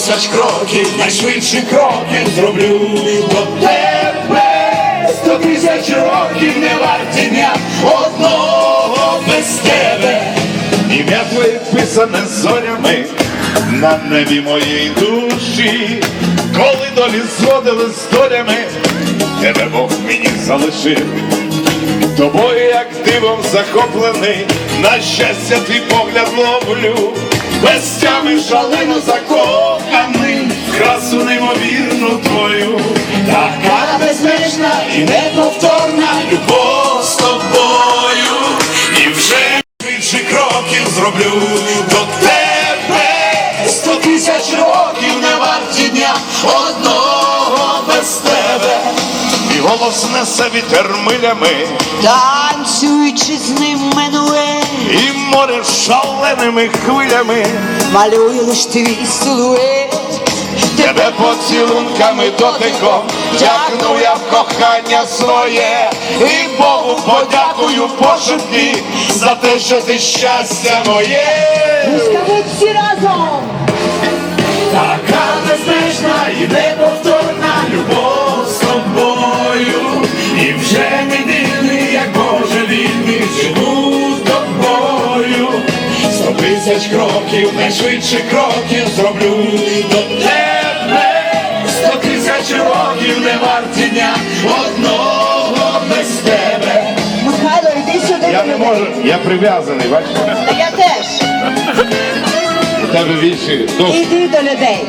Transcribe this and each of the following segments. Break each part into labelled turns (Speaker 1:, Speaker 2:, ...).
Speaker 1: тисяч кроків, найшвидші кроки зроблю до тебе. 100 тисяч років не варті дня одного без тебе. Ім'я твоє писане зорями на небі моєї душі. Коли долі зводили з долями, тебе Бог мені залишив. Тобою, як дивом захоплений, на щастя твій погляд ловлю. Без тями шалено закоханий, красу неймовірну твою. Така безмежна і неповторна любов з тобою. І вже більше кроків зроблю до тебе. 100 тисяч років не варті дня одного без тебе. І голос несе вітер милями,
Speaker 2: танцюючи з ним менует,
Speaker 1: і море шаленими хвилями
Speaker 2: малює лиш твій силует.
Speaker 1: Тебе поцілунками дотиком тягну я в кохання своє. І Богу подякую пошепки за те, що ти щастя моє.
Speaker 2: Скажіть всі разом.
Speaker 1: Така безмежна і неповторна любов з тобою. І вже не вільний, як Боже вільний, живу тобою. 100 тисяч кроків, найшвидше кроків зроблю до тебе. 100 тисяч років не варті дня одного без тебе.
Speaker 2: Михайло, йди сюди.
Speaker 1: Я не можу, я прив'язаний, бачите?
Speaker 2: Та я теж.
Speaker 1: У тебе вічі досить.
Speaker 2: Іди до людей.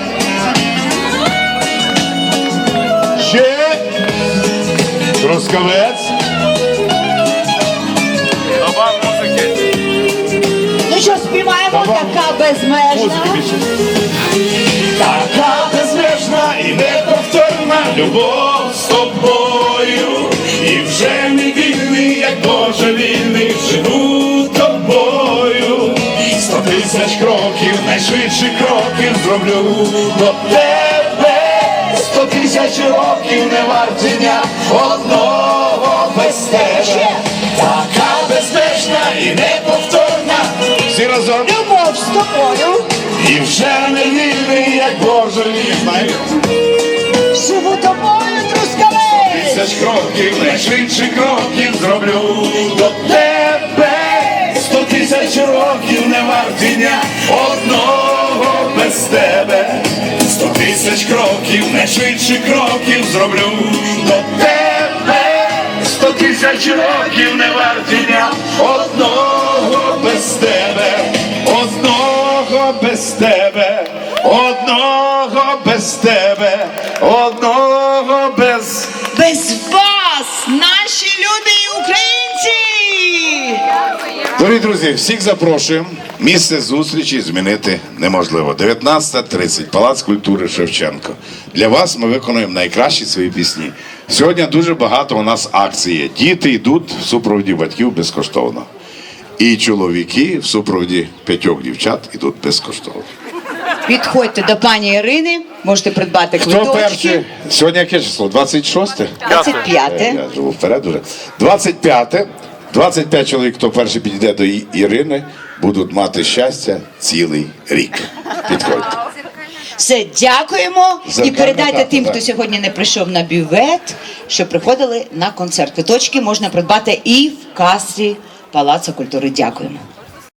Speaker 1: Ще Трускавець. Доба музики.
Speaker 2: Ну що, співаємо? Така безмежна.
Speaker 1: Така безмежна і неповторна любов з тобою. І вже не вільний, як Боже вільний, живу тобою. 100 тисяч кроків, найшвидші кроків зроблю до тебе. 100 тисяч років не варті дня одного без тебе. Така безмежна і неповторна. Всі разом.
Speaker 2: Любов з тобою.
Speaker 1: І вже не вільний, як Боже вільний.
Speaker 2: Живу тобою, Трускавець.
Speaker 1: 100 тисяч кроків, найшвидші кроків зроблю до тебе. 100 тисяч років не варті дня одного без тебе. 100 тисяч кроків, найшвидші кроків зроблю до тебе. 100 тисяч років не варті дня одного без тебе. Одного без тебе, одного без тебе, одного без...
Speaker 2: Без вас, наші любі українці!
Speaker 1: Дорогі друзі, всіх запрошуємо. Місце зустрічі змінити неможливо. 19:30, Палац культури Шевченко. Для вас ми виконуємо найкращі свої пісні. Сьогодні дуже багато у нас акцій є. Діти йдуть в супроводі батьків безкоштовно. І чоловіки в супроводі 5 дівчат йдуть безкоштовно.
Speaker 2: Підходьте до пані Ірини, можете придбати
Speaker 1: Хто
Speaker 2: квиточки.
Speaker 1: перший? Сьогодні яке число? 26?
Speaker 2: 25-те.
Speaker 1: Я живу вперед уже. 25-те. 25 чоловік, хто перший підійде до Ірини, будуть мати щастя цілий рік. Підходьте.
Speaker 2: Все, дякуємо. І передайте
Speaker 1: дата,
Speaker 2: тим,
Speaker 1: так.
Speaker 2: хто сьогодні не прийшов на бювет, що приходили на концерт. Квиточки можна придбати і в касі Палацу культури. Дякуємо.